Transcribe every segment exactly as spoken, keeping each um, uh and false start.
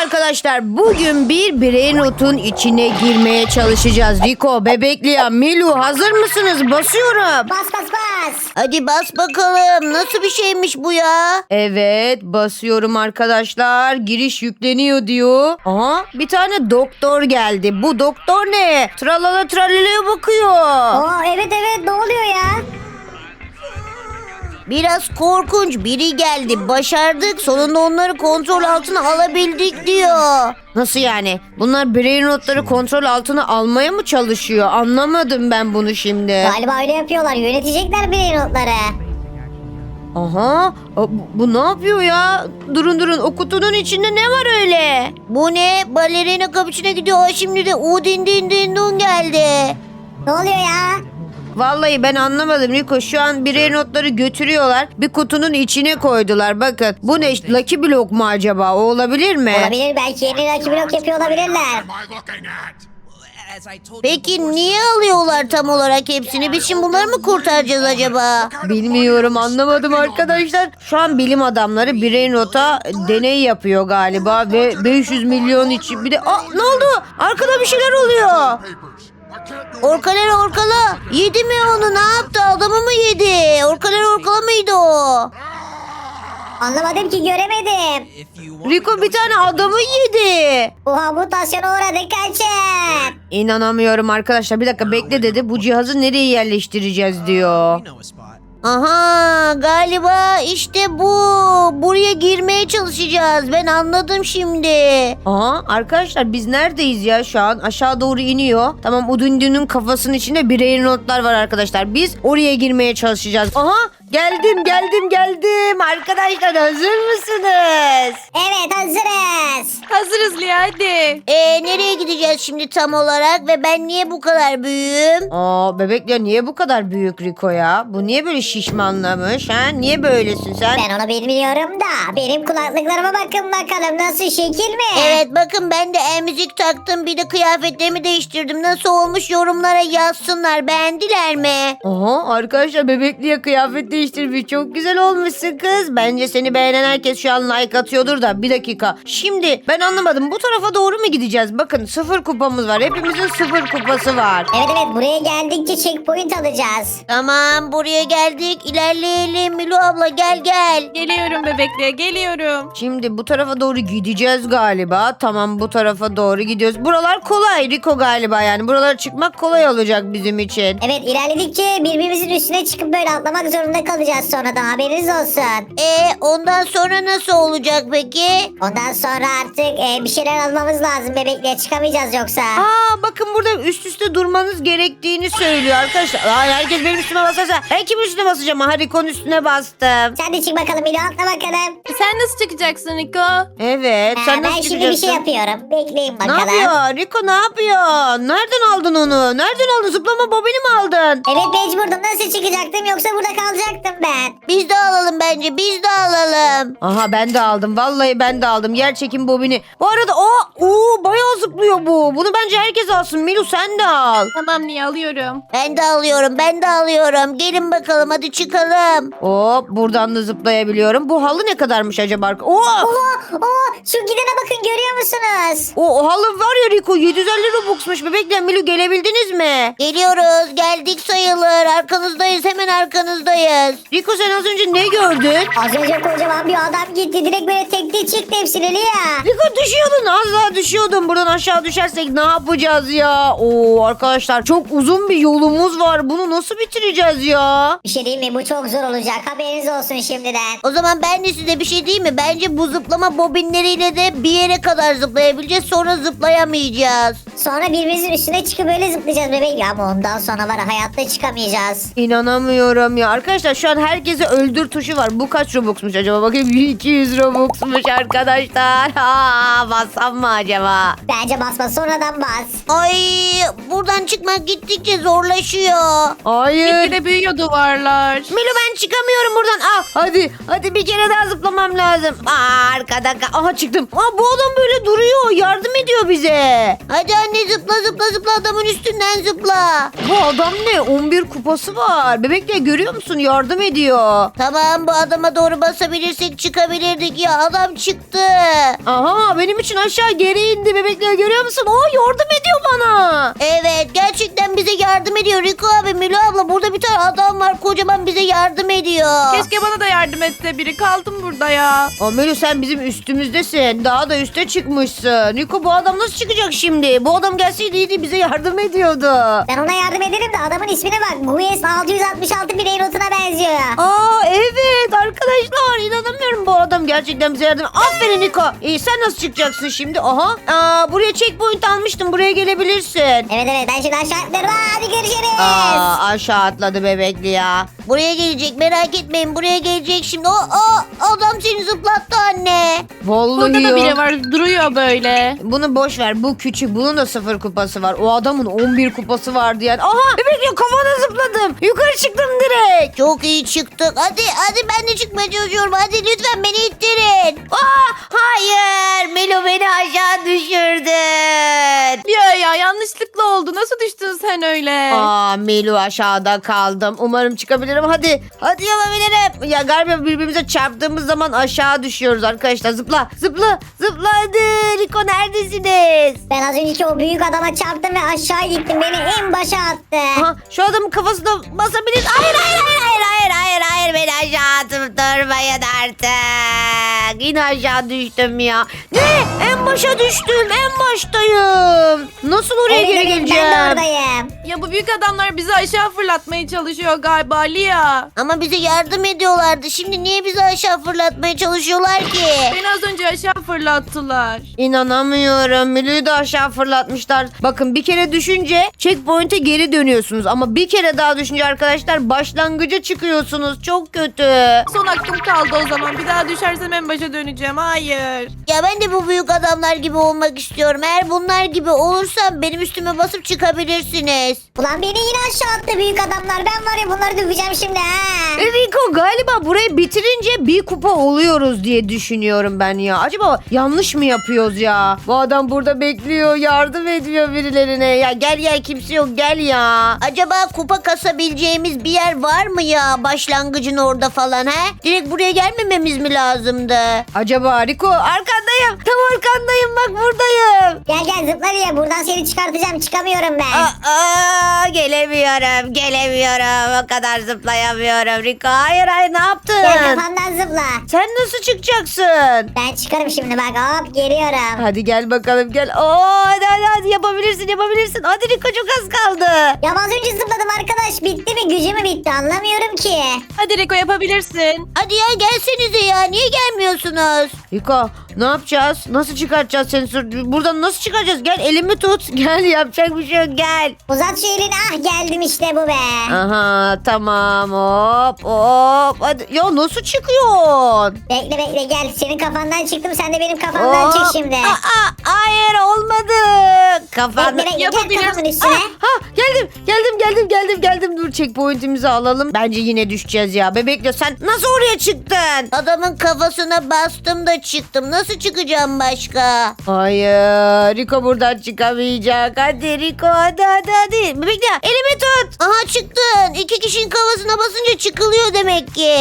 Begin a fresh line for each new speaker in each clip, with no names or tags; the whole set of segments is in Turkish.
arkadaşlar, bugün bir brainrot'un içine girmeye çalışacağız. Rico, Bebekliya, Milu, hazır mısınız? Basıyorum.
Bas bas bas.
Hadi bas bakalım. Nasıl bir şeymiş bu ya?
Evet, basıyorum arkadaşlar. Giriş yükleniyor diyor. Aha, bir tane doktor geldi. Bu doktor ne? Tralala tralalaya bakıyor.
Oo evet evet ne oluyor ya?
Biraz korkunç biri geldi. Başardık. Sonunda onları kontrol altına alabildik diyor.
Nasıl yani? Bunlar brainrot'ları kontrol altına almaya mı çalışıyor? Anlamadım ben bunu şimdi.
Galiba öyle yapıyorlar. Yönetecekler birey notları.
Aha, bu, bu ne yapıyor ya? Durun durun, o kutunun içinde ne var öyle?
Bu ne? Balerina kapıçına gidiyor. O şimdi de Udin din din dun geldi.
Ne oluyor ya?
Vallahi ben anlamadım Rico. Şu an birey notları götürüyorlar. Bir kutunun içine koydular. Bakın, bu ne? Lucky Block mu acaba? O olabilir mi?
Olabilir, belki yeni rakip blok yapıyor olabilirler.
Peki niye alıyorlar tam olarak hepsini? Biz şimdi bunları mı kurtaracağız acaba?
Bilmiyorum, anlamadım arkadaşlar. Şu an bilim adamları birey nota deney yapıyor galiba ve beş yüz milyon için bir de... Aa, ne oldu? Arkada bir şeyler oluyor.
Orkaler orkala. Yedi mi onu? Ne yaptı? Adamı mı yedi? Orkaler orkala mıydı o?
Anlamadım ki, göremedim.
Rico bir tane adamı yedi.
Oha, mutasyona uğradık, kaçın.
İnanamıyorum arkadaşlar. Bir dakika bekle dedi. Bu cihazı nereye yerleştireceğiz diyor.
Aha, galiba işte bu. Buraya girmeye çalışacağız. Ben anladım şimdi.
Aha, arkadaşlar biz neredeyiz ya şu an? Aşağı doğru iniyor. Tamam, Udundu'nun kafasının içinde birey notlar var arkadaşlar. Biz oraya girmeye çalışacağız. Aha, geldim geldim geldim. Arkadaşlar hazır mısınız?
Evet, hazırız.
Hazırız Lia, hadi.
Ee, nereye gideceğiz şimdi tam olarak ve ben niye bu kadar büyüğüm?
Aa, bebekler niye bu kadar büyük Rico ya? Bu niye böyle şişmanlamış ha? Niye böylesin sen?
Ben onu bilmiyorum da benim kulaklıklarıma bakın bakalım, nasıl, şekil mi?
Evet, bakın ben de emzik taktım, bir de kıyafetlerimi değiştirdim. Nasıl olmuş, yorumlara yazsınlar, beğendiler mi?
Aha, arkadaşlar bebekliye kıyafet değiştirmiş. Çok güzel olmuşsun kız. Bence seni beğenen herkes şu an like atıyordur da. Bir dakika. Şimdi ben anlamadım. Bu tarafa doğru mu gideceğiz? Bakın, sıfır kupamız var. Hepimizin sıfır kupası var.
Evet evet, buraya geldikçe checkpoint alacağız.
Tamam, buraya geldik, ilerleyelim. Milu abla gel gel.
Geliyorum bebekliğe, geliyorum.
Şimdi bu tarafa doğru gideceğiz galiba. Tamam, bu tarafa doğru gidiyoruz. Buralar kolay Rico galiba yani. Buralara çıkmak kolay olacak bizim için.
Evet, ilerledikçe birbirimizin üstüne çıkıp böyle atlamak zorunda kalacağız sonradan, haberiniz olsun.
E ondan sonra nasıl olacak peki?
Ondan sonra artık e, bir şeyler almamız lazım, bebekliğe çıkamayacağız yoksa.
Aa, bakın burada üst üste durmanız gerektiğini söylüyor arkadaşlar. Aa, herkes benim üstüme basarsa ben kimin üstüne basacağım? Ha, Rico'nun üstüne bastım.
Sen de çık bakalım Milo, atla bakalım.
Sen nasıl çıkacaksın Niko?
Evet, sen
Ha, ben
nasıl
şimdi bir şey
çıkacaksın?
yapıyorum. Bekleyin
Ne
bakalım.
yapıyor? Rico ne yapıyor? Nereden aldın onu? Nereden aldın? Zıplama bobini mi aldın?
Evet, mecburdum. Nasıl çıkacaktım, yoksa burada kalacaktım ben.
Biz de alalım bence, biz de alalım.
Aha, ben de aldım. Vallahi ben de aldım. Yer çekim bobini. Bu arada o oo, bayağı zıplıyor bu. Bunu bence herkes alsın. Milu sen de al.
Tamam Lia, alıyorum.
Ben de alıyorum, ben de alıyorum. Gelin bakalım, hadi çıkalım.
Hop, buradan da zıplayabiliyorum. Bu halı ne kadarmış acaba? Oo!
Oo, oo, şu gidene bakın, görüyor musunuz?
O, o halı var ya Rico, yedi yüz elli Robux'muş. Bebekle Milu gelebildiniz mi?
Geliyoruz, geldik sayılır. Arkanızdayız, hemen arkanızdayız.
Rico sen az önce ne gördün?
Az önce kocaman bir adam gitti. Direkt böyle tekte çıktı hepsini Lia.
Rico düşüyordun, az daha düşüyordun. Buradan aşağı düşersek ne yapacağız ya? Oo arkadaşlar, çok uzun bir yolumuz var. Bunu nasıl bitireceğiz ya?
Bir şey değil mi? Bu çok zor olacak. Haberiniz olsun şimdiden.
O zaman ben de size bir şey diyeyim mi? Bence bu zıplama bobinleriyle de bir yere kadar zıplayabileceğiz. Sonra zıplayamayacağız.
Sonra birbirimizin üstüne çıkıp böyle zıplayacağız bebek. Ya ama ondan sonra var, hayatta çıkamayacağız.
İnanamıyorum ya. Arkadaşlar şu an herkese öldür tuşu var. Bu kaç Robux'muş acaba? Bakayım, iki yüz Robux'muş arkadaşlar. Aa, bassam mı acaba?
Bence basma, sonradan bas.
Ay, buradan çıkmak gittikçe zorlaşıyor.
Hayır.
Gitgide büyüyor duvarlar.
Milo ben çıkamıyorum buradan. Ah, hadi hadi bir kere daha zıplamam lazım. Aa, arkada ka- aha çıktım. Aa, bu adam böyle duruyor, yardım ediyor bize.
Hadi anne, zıpla zıpla zıpla, adamın üstünden zıpla.
Bu adam ne? on bir kupası var. Bebekle görüyor musun? Yardım ediyor.
Tamam, bu adama doğru basabilirsek çıkabilirdik ya, adam çıktı.
Aha, Lia benim için aşağı geri indi bebek Lia, görüyor musun? O yardım ediyor bana.
Evet gerçekten bize yardım ediyor Rico abi, Milo abla, burada bir tane adam var kocaman, bize yardım ediyor.
Keşke bana da yardım etse biri. Kaldım burada ya.
Amelo sen bizim üstümüzdesin. Daha da üste çıkmışsın. Niko bu adam nasıl çıkacak şimdi? Bu adam gelseydi iyiydi, bize yardım ediyordu.
Ben ona yardım ederim de adamın ismine bak. Gues altı yüz altmış altı birey notuna benziyor.
Aa evet arkadaşlar, inanamıyorum, bu adam gerçekten bize yardım. Aferin Niko. İyi, sen nasıl çıkacaksın şimdi? Aha. Aa, buraya checkpoint almıştım. Buraya gelebilirsin.
Evet evet ben şimdi aşağı atlarım. Hadi görüşürüz.
Aa, aşağı atladı bebekli ya.
Buraya gelecek, merak etmeyin, buraya gelecek şimdi. O, o adam seni zıplattı anne.
Vallahi
Burada da
ya.
biri var duruyor böyle.
Bunu boş ver. Bu küçük. Bunun da sıfır kupası var. O adamın on bir kupası vardı yani. Aha bebekli, kafana zıpladım. Yukarı çıktım direkt.
Çok iyi çıktık. Hadi hadi ben de çıkmaya çalışıyorum. Hadi lütfen beni ittirin.
Aa, hayır. Melo beni aşağı düşürdün.
Ya ya yanlışlıkla oldu. Nasıl düştün sen öyle?
Aa, Melo aşağıda kaldım. Umarım çıkabilirim. Hadi. Hadi yapabilirim. Ya galiba birbirimize çarptığımız zaman aşağı düşüyoruz arkadaşlar. Zıpla. Zıpla. Zıpla hadi. Rico neredesiniz?
Ben az önceki o büyük adama çarptım ve aşağı gittim. Beni en başa attı.
Aha, şu adamın kafasına basabiliriz. Hayır hayır hayır hayır hayır hayır hayır beni aşağı atıp durmayın artık. Yine aşağı düştüm ya. Ne? En başa düştüm. En baştayım. Nasıl oraya
Evet,
geri
evet,
geleceğim?
ben de oradayım.
Ya bu büyük adamlar bizi aşağı fırlatmaya çalışıyor galiba Lia.
Ama bize yardım ediyorlardı. Şimdi niye bizi aşağı fırlatmaya çalışıyorlar ki?
Beni az önce aşağı fırlattılar.
İnanamıyorum. Milü'yü de aşağı fırlatmışlar. Bakın bir kere düşünce checkpoint'e geri dönüyorsunuz. Ama bir kere daha düşünce arkadaşlar başlangıca çıkıyorsunuz. Çok kötü.
Son hakkım kaldı o zaman. Bir daha düşersem en başa döneceğim. Hayır.
Ya ben de bu büyük adamlar gibi olmak istiyorum. Eğer bunlar gibi olursam benim üstüme basıp çıkabilirsiniz.
Ulan beni yine aşağı attı büyük adamlar. Ben var ya bunları döveceğim şimdi ha.
Rico galiba burayı bitirince bir kupa oluyoruz diye düşünüyorum ben ya. Acaba yanlış mı yapıyoruz ya? Bu adam burada bekliyor, yardım ediyor birilerine. Ya gel gel, kimse yok, gel ya.
Acaba kupa kasabileceğimiz bir yer var mı ya? Başlangıcın orada falan he? Direkt buraya gelmememiz mi lazımdı?
Acaba Rico, arkandayım. Tam arkandayım, bak buradayım.
Gel gel zıpla diye buradan seni çıkartacağım. Çıkamıyorum ben.
Aa, aa, gelemiyorum, gelemiyorum. O kadar zıplayamıyorum Rico. Hayır hayır, ne yaptın?
Gel kafandan zıpla.
Sen nasıl çıkacaksın?
Ben çıkarım şimdi bak hop geliyorum.
Hadi gel bakalım, gel. Oo, hadi hadi hadi, yapabilirsin yapabilirsin. Hadi Rico, çok az kaldı.
Ya az önce zıpladım arkadaş. Bitti mi? Gücü mü bitti? Anlamıyorum ki.
Hadi Rico yapabilirsin.
Hadi ya gelsenize ya. Niye gelmiyorsunuz?
Rico, ne yapacağız? Nasıl çıkartacağız seni? sur- Buradan nasıl çıkaracağız? Gel elimi tut. Gel, yapacak bir şey yok, gel.
Uzat şu elini. Ah geldim işte bu be.
Aha, tamam, hop hop. Hadi. Ya nasıl çıkıyorsun?
Bekle bekle gel. Senin kafandan çıktım. Sen de benim kafamdan
Hop.
çık şimdi.
Aa, hayır olmadı. Kafan.
Bekle bekle gel
Yapabilirsin.
kafamın üstüne.
Ha, geldim geldim geldim geldim geldim. Dur, checkpoint'imizi alalım. Bence yine düşeceğiz ya. Bebekle sen nasıl oraya çıktın?
Adamın kafasına bastım da çıktım. Nasıl çıkacağım başka?
Hayır, Rico buradan çıkamayacak. Hadi Rico, hadi hadi hadi. Bebekle elimi tut.
Aha çıktın. İki kişinin kafasına basınca çıkılıyor demek ki.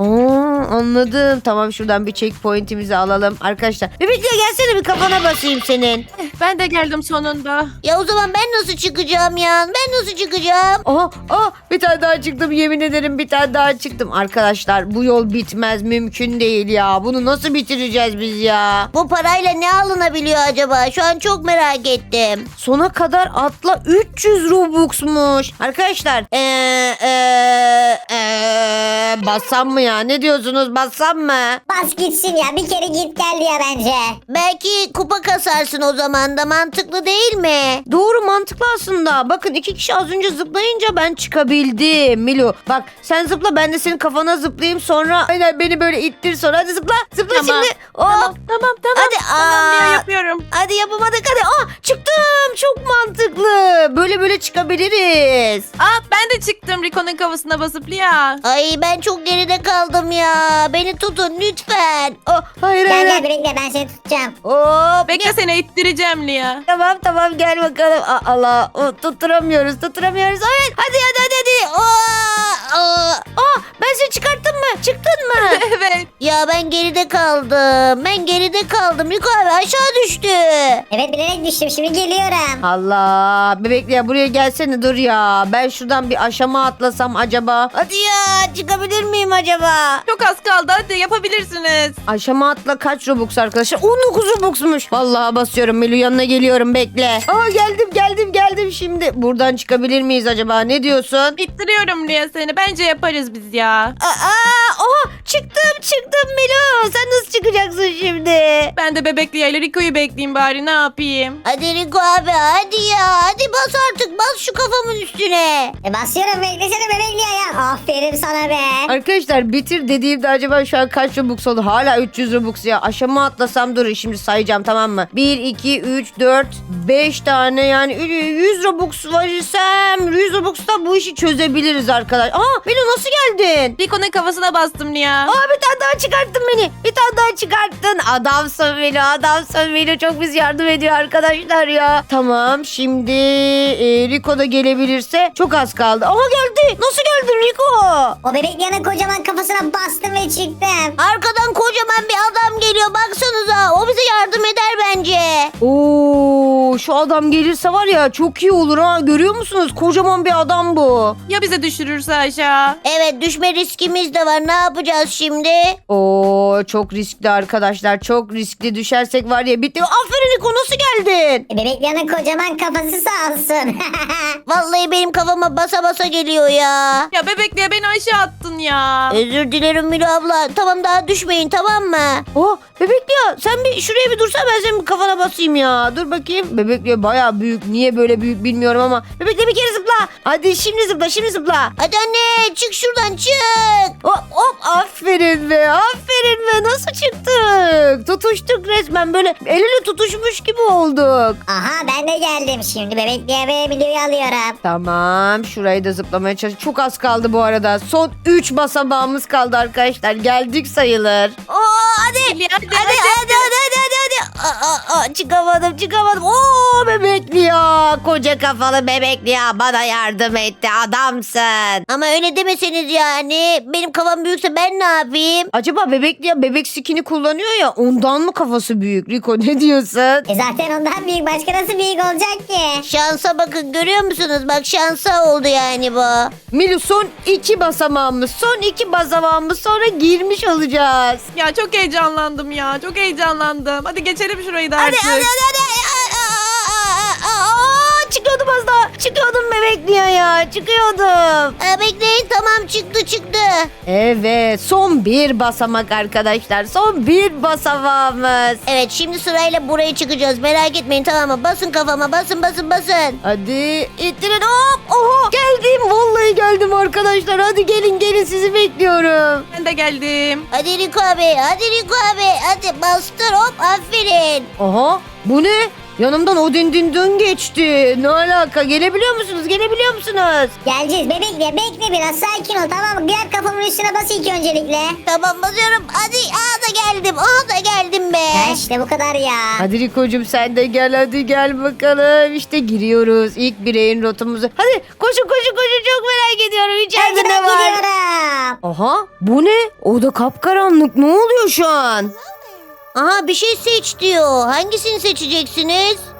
Aa, anladım. Tamam, şuradan bir checkpoint'imizi alalım. Arkadaşlar bebekle gelsene, bir kafana basayım senin.
Ben de geldim sonunda.
Ya o zaman ben nasıl çıkacağım ya? Ben nasıl çıkacağım?
Aha, aha, bir tane daha çıktım, yemin ederim bir tane daha çıktım. Arkadaşlar bu yol bitmez, mümkün değil ya. Bunu nasıl bitireceğiz biz ya?
Bu parayla ne alınabiliyor acaba? Şu an çok merak ettim.
Sona kadar atla üç yüz Robux'muş. Arkadaşlar eee eee eee bassam mı ya? Ne diyorsunuz, bassam mı?
Bas gitsin ya. Bir kere git gel ya bence.
Belki kupa kasarsın o zaman da, mantıklı değil mi?
Doğru, mantıklı aslında. Bakın iki kişi az önce zıplayınca ben çıkabildim. Milo bak, sen zıpla, ben de senin kafana zıplayayım, sonra aynen beni böyle ittir, sonra hadi zıpla. Zıpla
Tamam.
şimdi. Hop.
Tamam tamam tamam.
Hadi,
Tamam Lia
aa.
yapıyorum.
Hadi yapamadık, hadi. Aa, çıktım. Çok mantıklı. Böyle böyle çıkabiliriz.
Aa ben de çıktım Rico'nun kafasına basıp Lia.
Ay ben çok geride kaldım ya. Beni tutun lütfen.
Oh, hayır
Gel
hayır.
gel bekle ben seni tutacağım.
Hop.
Bekle seni ittireceğim Lia.
Tamam tamam, gel bakalım. Aa, Allah, o, tutturamıyoruz tutturamıyoruz. Evet, hadi hadi hadi hadi. Aa, aa. Aa, ben seni çıkarttım mı? mı? Çıktın mı?
Evet.
Ya ben geride kaldım. Ben geride kaldım. Riko abi aşağı düştü.
Evet bilerek düştüm şimdi geliyorum.
Allah bebekli ya buraya gelsene dur ya. Ben şuradan bir aşama atlasam acaba? Hadi ya çıkabilir miyim acaba?
Çok az kaldı. Hadi yapabilirsiniz.
Aşama atla kaç Robux arkadaşlar? on dokuz Robux'muş. Vallahi basıyorum Melu yanına geliyorum bekle. Aa geldim geldim geldim şimdi. Buradan çıkabilir miyiz acaba? Ne diyorsun?
İttiriyorum Lia seni. Bence yaparız biz ya.
Aa, oha çıktım çıktım Melu. Sen nasıl çıkacaksın şimdi?
Ben de bebek Lia ile Rico'yu bekleyeyim bari. Ne yapayım?
Hadi Riko abi hadi ya. Hadi bas artık bas şu kafamın üstüne.
E basıyorum beklesene bebekli ya. Aferin sana be.
Arkadaşlar bitir dediğimde acaba şu an kaç Robux oldu? Hala üç yüz Robux ya. Aşama atlasam durun şimdi sayacağım tamam mı? bir, iki, üç, dört, beş tane yani yüz Robux verirsem yüz Robux'ta bu işi çözebiliriz arkadaş. Aa Melo nasıl geldin?
Rico'nun kafasına bastım Lia.
Aa bir tane daha çıkarttın beni. Bir tane daha çıkarttın. Adamsın Melo adamsın Melo çok biz yardım ediyor arkadaşlar ya. Tamam şimdi e, Rico da gelebilirse çok az kaldı. Aha geldi. Nasıl geldin Rico?
O bebekli yana kocaman kafasına bastım ve çıktım.
Arkadan kocaman bir adam geliyor baksanıza. O bize yardım eder bence.
Oo, şu adam gelirse var ya çok iyi olur ha. Görüyor musunuz? Kocaman bir adam bu.
Ya bize düşürürse aşağı?
Evet düşme riskimiz de var. Ne yapacağız şimdi?
Oo, çok riskli arkadaşlar. Çok riskli düşersek var ya bitti. Aferin Niko nasıl geldin?
E, bebekli yana kocaman kafası sağ olsun.
Vallahi benim kafama basa basa geliyor ya.
Ya bebek Lia beni aşağı attın ya.
Özür dilerim Milo abla. Tamam daha düşmeyin tamam mı?
Oh bebekli ya sen bir şuraya bir dursan ben senin bir kafana basayım ya. Dur bakayım. Bebekli ya baya büyük. Niye böyle büyük bilmiyorum ama. Bebekli bir kere zıpla. Hadi şimdi zıpla şimdi zıpla.
Hadi anne çık şuradan çık.
Hop hop aferin be aferin be nasıl çıktık? Tutuştuk resmen böyle el ele tutuşmuş gibi olduk.
Aha ben de geldim. Şimdi bebekliye ve videoyu alıyorum.
Tamam şurayı da zıplamaya çalış. Çok az kaldı bu arada. Son üç basamağımız kaldı arkadaşlar. Geldik sayılır.
Oo hadi.
Lia hadi,
Hadi hadi hadi hadi hadi hadi. Aa, aa, aa,
Çıkamadım çıkamadım. Oo bebekli ya. Koca kafalı bebekli ya. Bana yardım etti adamsın.
Ama öyle demeseniz yani. Benim kafam büyükse ben ne yapayım?
Acaba bebekli ya bebek skini kullanıyor ya ondan mı kafası büyük? Rico ne diyorsun?
E zaten ondan büyük başka nasıl büyük olacak ki?
Şansa bakın görüyor musunuz? Bak şansa oldu yani bu.
Milu son iki basamağımız. Son iki basamağımız sonra girmiş olacağız.
Ya çok heyecanlandım ya. Çok heyecanlandım. Hadi geçelim şurayı da
Hadi
artık.
hadi hadi. hadi. Aa, aa, aa, aa.
Aa, çıkıyordum az daha. Çıkıyordum bebekli ya ya. Çıkıyordum.
Aa, bekleyin tamam çıktı çıktı.
Evet son bir basamak arkadaşlar. Son bir basamağımız.
Evet şimdi sırayla buraya çıkacağız. Merak etmeyin tamam mı? Basın kafama basın basın basın.
Hadi ittirin hop. Oha geldim. Vallahi geldim arkadaşlar. Hadi gelin gelin sizi bekliyorum.
Ben de geldim.
Hadi Riko abi hadi Riko abi. Hadi bastır hop aferin.
Aha bu ne? Yanımdan o din din dün geçti. Ne alaka? Gelebiliyor musunuz? Gelebiliyor musunuz?
Geleceğiz bebekliye bekle biraz sakin ol tamam mı? Diğer kafamın üstüne bas ilk öncelikle.
Tamam basıyorum. Hadi aa da geldim. Aa da geldim be.
Ha işte bu kadar ya.
Hadi Riko'cum sen de gel hadi gel bakalım. İşte giriyoruz ilk bireyin rotumuzu. Hadi koşun koşun koşun çok merak ediyorum. İçeride
Hadi
ne
ben
var?
gidiyorum.
Aha bu ne? O da kapkaranlık. Ne oluyor şu an?
Aha bir şey seç diyor. Hangisini seçeceksiniz?
Ee,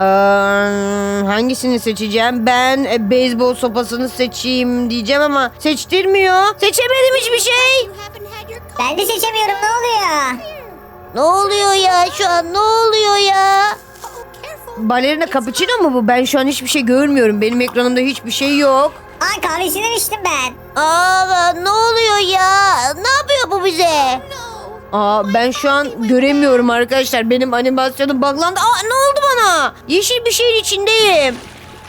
hangisini seçeceğim? Ben e, beyzbol sopasını seçeyim diyeceğim ama seçtirmiyor. Seçemedim hiçbir şey.
Ben de seçemiyorum ne oluyor?
Ne oluyor ya şu an ne oluyor ya?
Balerina cappuccino mu bu? Ben şu an hiçbir şey görmüyorum. Benim ekranımda hiçbir şey yok.
Aa kahvesinden içtim ben.
Aa ne oluyor ya? Ne yapıyor bu bize?
Aa ben şu an göremiyorum arkadaşlar. Benim animasyonum buglandı. Aa ne oldu bana? Yeşil bir şeyin içindeyim.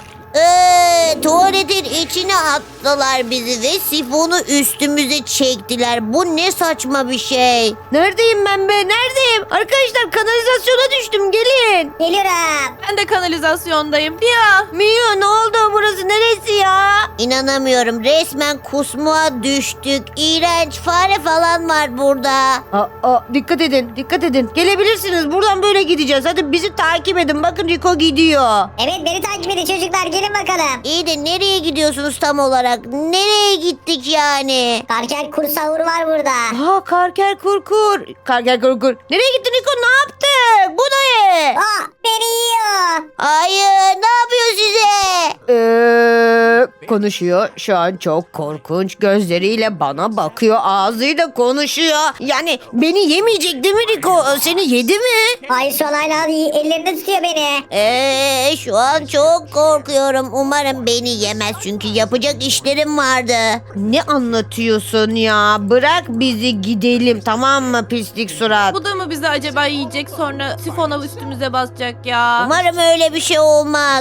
Ee, tuvaletin içine attılar bizi ve sifonu üstümüze çektiler. Bu ne saçma bir şey.
Neredeyim ben be? Neredeyim? Arkadaşlar kanalizasyona düştüm. Gelin. gelin.
Geliyorum.
Ben de kanalizasyondayım. Mia.
Mia ne oldu, burası neresi ya?
İnanamıyorum. Resmen kusmuğa düştük. İğrenç fare falan var burada.
Aa, aa, dikkat edin, dikkat edin. Gelebilirsiniz, buradan böyle gideceğiz. Hadi bizi takip edin, bakın Rico gidiyor.
Evet beni takip edin çocuklar gelin bakalım.
İyi de nereye gidiyorsunuz tam olarak? Nereye gittik yani?
Karkel kursavuru var burada.
Aa, karker kurkur. Karker kurkur. Nereye gittin Rico, ne yaptık? Bu ne?
Aa beni yiyor.
Hayır, ne yapıyor size?
Ee, konuşuyor. Şu an çok korkunç. Gözleriyle bana bakıyor. Ağzıyla konuşuyor. Yani beni yemeyecek değil mi Rico? Seni yedi mi?
Hayır şu an hala ellerinde tutuyor beni.
Ee, şu an çok korkuyorum. Umarım beni yemez çünkü yapacak işlerim vardı.
Ne anlatıyorsun ya? Bırak bizi gidelim, tamam mı pislik surat?
Bu da mı bizi acaba yiyecek sonra sifona üstümüze basacak ya?
Umarım öyle bir şey olmaz.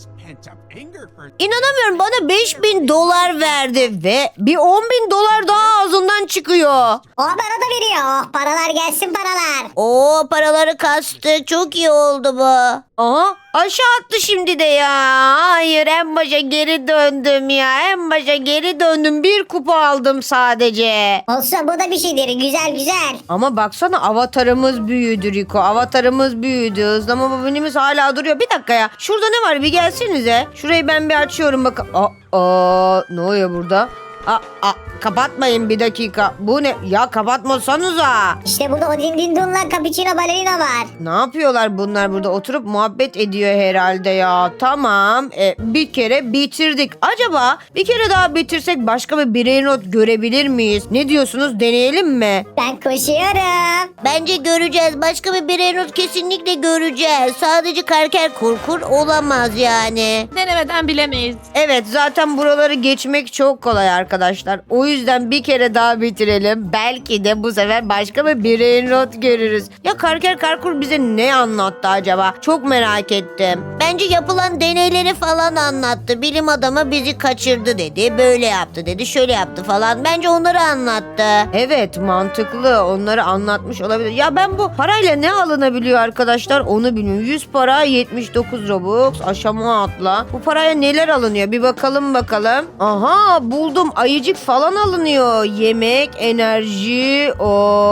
İnanamıyorum, bana beş bin dolar verdi ve bir on bin dolar daha ağzından çıkıyor.
O bana da veriyor. Oh paralar gelsin paralar.
Oo, paraları kastık. Çok iyi oldu bu.
Aha, aşağı attı şimdi de ya. Hayır, en başa geri döndüm ya. En başa geri döndüm. Bir kupa aldım sadece.
Olsun bu da bir şeydir güzel güzel.
Ama baksana, avatarımız büyüdü Rico. Avatarımız büyüdü. Hızlama bobinimiz hala duruyor. Bir dakika ya. Şurada ne var? Bir gelsenize. Şurayı ben bir açıyorum bakın. Aa, aa, ne oluyor burada? Aa, aa, kapatmayın bir dakika. Bu ne? Ya kapatmasanıza.
İşte burada Odin Dindun'la Cappuccino Ballerina var.
Ne yapıyorlar bunlar burada? Oturup muhabbet ediyor herhalde ya. Tamam. E, bir kere bitirdik. Acaba bir kere daha bitirsek başka bir birey not görebilir miyiz? Ne diyorsunuz? Deneyelim mi?
Ben koşuyorum.
Bence göreceğiz. Başka bir birey not kesinlikle göreceğiz. Sadece karker kurkur olamaz yani.
Denemeden bilemeyiz.
Evet, zaten buraları geçmek çok kolay arkadaşlar. O yüzden bir kere daha bitirelim. Belki de bu sefer başka bir birey not görürüz. Ya Karker Karkur bize ne anlattı acaba? Çok merak ettim.
Bence yapılan deneyleri falan anlattı. Bilim adamı bizi kaçırdı dedi. Böyle yaptı dedi. Şöyle yaptı falan. Bence onları anlattı.
Evet, mantıklı, onları anlatmış olabilir. Ya ben bu parayla ne alınabiliyor arkadaşlar onu bilmiyorum. yüz para, yetmiş dokuz Robux, aşama atla. Bu paraya neler alınıyor bir bakalım bakalım. Aha, buldum, ayıcık falan alınıyor. Yemek, enerji, o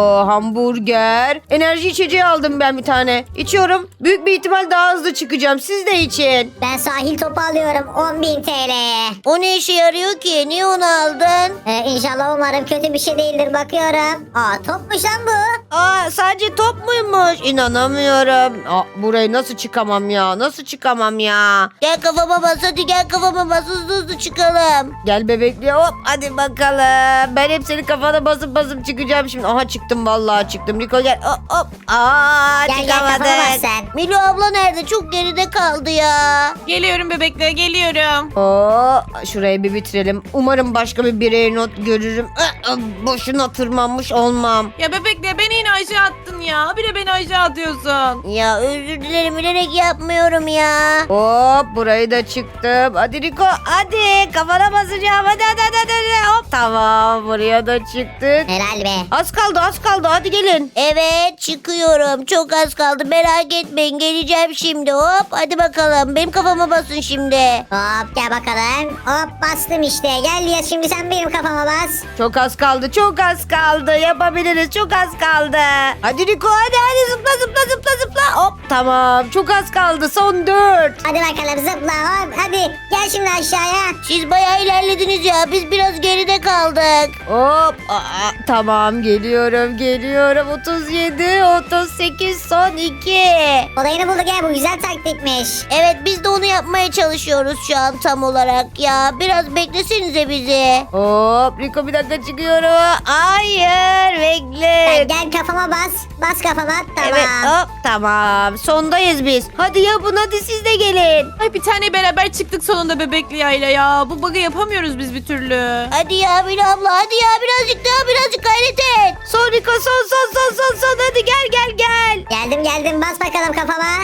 hamburger. Enerji içeceği aldım ben bir tane. İçiyorum. Büyük bir ihtimal daha hızlı çıkacağım. Siz de için.
Ben sahil topu alıyorum on bin T L'ye.
O ne işe yarıyor ki? Niye onu aldın?
Ee, inşallah umarım kötü bir şey değildir bakıyorum. Aa topmuş lan bu.
Aa, sadece top muymuş? İnanamıyorum. Aa, burayı nasıl çıkamam ya? Nasıl çıkamam ya?
Gel kafama bas, hadi gel kafama bas, hızlı hızlı çıkalım.
Gel bebekli, hop hadi bakalım. Ben hep senin kafana basıp basıp çıkacağım şimdi. Aha, çıktım vallahi çıktım. Rico gel, hop hop. Aa,
Gel gel kafama bas
çıkamadık.
sen.
Milo abla nerede? Çok geride kaldı ya.
Geliyorum bebekle geliyorum.
Oo, şurayı bir bitirelim. Umarım başka bir birey not görürüm. Ah, ah, boşuna tırmanmış olmam.
Ya bebekle beni yine aşağı attın ya. Bir de beni aşağı atıyorsun.
Ya özür dilerim, bilerek yapmıyorum ya.
Hop, burayı da çıktım. Hadi Rico, hadi kafana basacağım. Hadi hadi hadi, hadi. Hop, tamam, buraya da çıktık.
Helal be.
Az kaldı, az kaldı, hadi gelin.
Evet, çıkıyorum. Çok az kaldı. Merak etmeyin, geleceğim şimdi. Hop, hadi bakalım. Benim kafama basın şimdi.
Hop gel bakalım. Hop bastım işte. Gel ya şimdi sen benim kafama bas.
Çok az kaldı, çok az kaldı. Yapabiliriz, çok az kaldı. Hadi Rico, hadi hadi zıpla zıpla zıpla zıpla. Hop, tamam, çok az kaldı, son dört.
Hadi bakalım zıpla hop. Hadi gel şimdi aşağıya.
Siz bayağı ilerlediniz ya. Biz biraz geride kaldık.
Hop, aa, tamam, geliyorum geliyorum. otuz yedi, otuz sekiz, son iki.
Olayını bulduk ya bu güzel taktikmiş.
Evet, biz de onu yapmaya çalışıyoruz şu an tam olarak ya. Biraz beklesenize bizi.
Hop, Rico bir dakika çıkıyorum. Hayır, bekle.
Sen gel kafama bas. Bas kafama tamam.
Evet, hop, tamam. Sondayız biz. Hadi yapın, hadi siz de gelin.
Ay bir tane beraber çıktık sonunda bebekli yayla ya. Bu bug'ı yapamıyoruz biz bir türlü.
Hadi ya Milo abla, hadi ya birazcık daha, birazcık gayret et.
Son Rico, son son son son son. Hadi gel gel gel.
Geldim geldim bas bakalım kafama.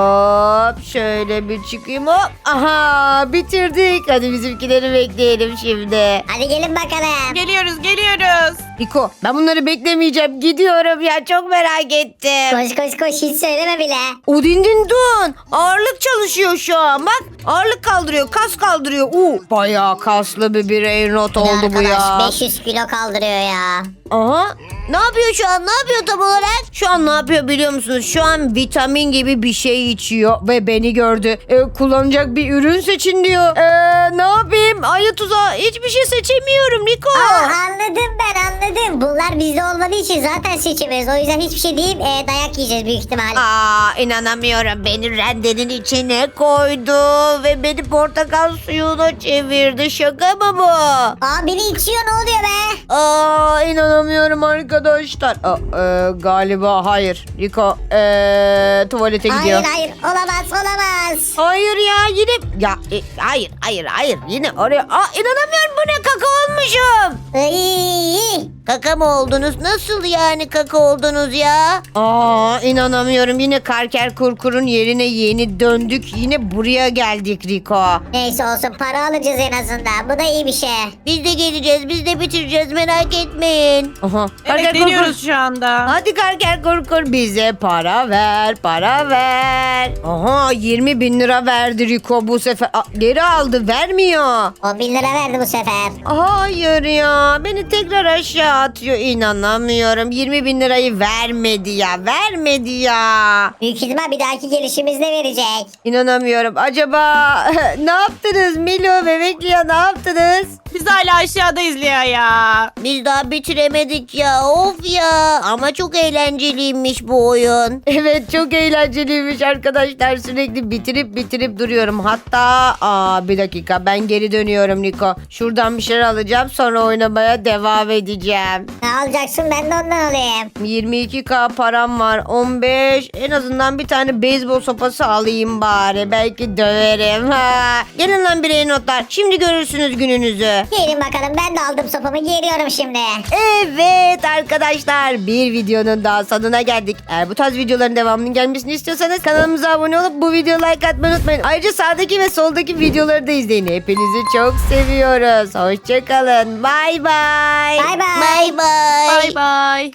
Hop, şöyle bir çıkayım, hop. Aha, bitirdik. Hadi bizimkileri bekleyelim şimdi.
Hadi gelin bakalım.
Geliyoruz geliyoruz.
Riko ben bunları beklemeyeceğim. Gidiyorum ya çok merak ettim.
Koş koş koş hiç söyleme bile.
Udindin dun. Ağırlık çalışıyor şu an. Bak ağırlık kaldırıyor. Kas kaldırıyor. Uu, bayağı kaslı bir birey not oldu bu ya.
Arkadaş beş yüz kilo kaldırıyor ya.
Aha. Ne yapıyor şu an? Ne yapıyor tam olarak? Şu an ne yapıyor biliyor musunuz? Şu an vitamin gibi bir şey içiyor ve beni gördü. Ee, kullanacak bir ürün seçin diyor. Ee, ne yapayım? Ayı tuzağı hiçbir şey seçemiyorum Niko.
Aa, anladım ben anladım. Bunlar bizde olmadığı için zaten seçemiyoruz. O yüzden hiçbir şey değil e, dayak yiyeceğiz büyük ihtimal.
Aa inanamıyorum. Beni rendenin içine koydu ve beni portakal suyuna çevirdi. Şaka mı bu?
Aa biri içiyor ne oluyor be?
Aa inanamıyorum arkadaşlar. Aa, e, galiba hayır. Riko e, tuvalete gidiyor.
Hayır hayır olamaz olamaz.
Hayır ya yine ya e, hayır hayır hayır yine oraya aa inanamıyorum bu ne kaka olmuşum.
Iy,
Kaka mı oldunuz? Nasıl yani kaka oldunuz ya?
Aa inanamıyorum yine Karker Kurkur'un yerine yeni döndük yine buraya geldik Riko.
Neyse olsun para alacağız en azından. Bu da iyi bir şey.
Biz de geleceğiz, biz de bitireceğiz merak etmeyin.
Aha.
Evet deniyoruz şu anda.
Hadi Karker Kurkur bize para ver para ver. Aha yirmi bin lira verdi Riko bu sefer. Aa, geri aldı vermiyor.
on bin lira verdi bu sefer.
Hayır ya beni tekrar aşağı atıyor inanamıyorum yirmi bin lirayı vermedi ya vermedi ya
Büyük ihtimal bir dahaki gelişimizde verecek.
İnanamıyorum acaba ne yaptınız Milo bebekli ya ne yaptınız?
Biz hala aşağıdayız Lia ya.
Biz daha bitiremedik ya, of ya. Ama çok eğlenceliymiş bu oyun.
Evet çok eğlenceliymiş arkadaşlar sürekli bitirip bitirip duruyorum hatta aa bir dakika ben geri dönüyorum Niko şuradan bir şeyler alacağım sonra oynamaya devam edeceğim.
Ne alacaksın ben de ondan alayım.
yirmi iki bin param var. on beş en azından bir tane beyzbol sopası alayım bari. Belki döverim. Ha. Gelin lan birey notlar. Şimdi görürsünüz gününüzü.
Gelin bakalım ben de aldım sopamı geliyorum şimdi.
Evet arkadaşlar bir videonun daha sonuna geldik. Eğer bu tarz videoların devamının gelmesini istiyorsanız kanalımıza abone olup bu videoya like atmayı unutmayın. Ayrıca sağdaki ve soldaki videoları da izleyin. Hepinizi çok seviyoruz. Hoşçakalın. Bay bay.
Bay bay.
Bay bay.
Bay bay.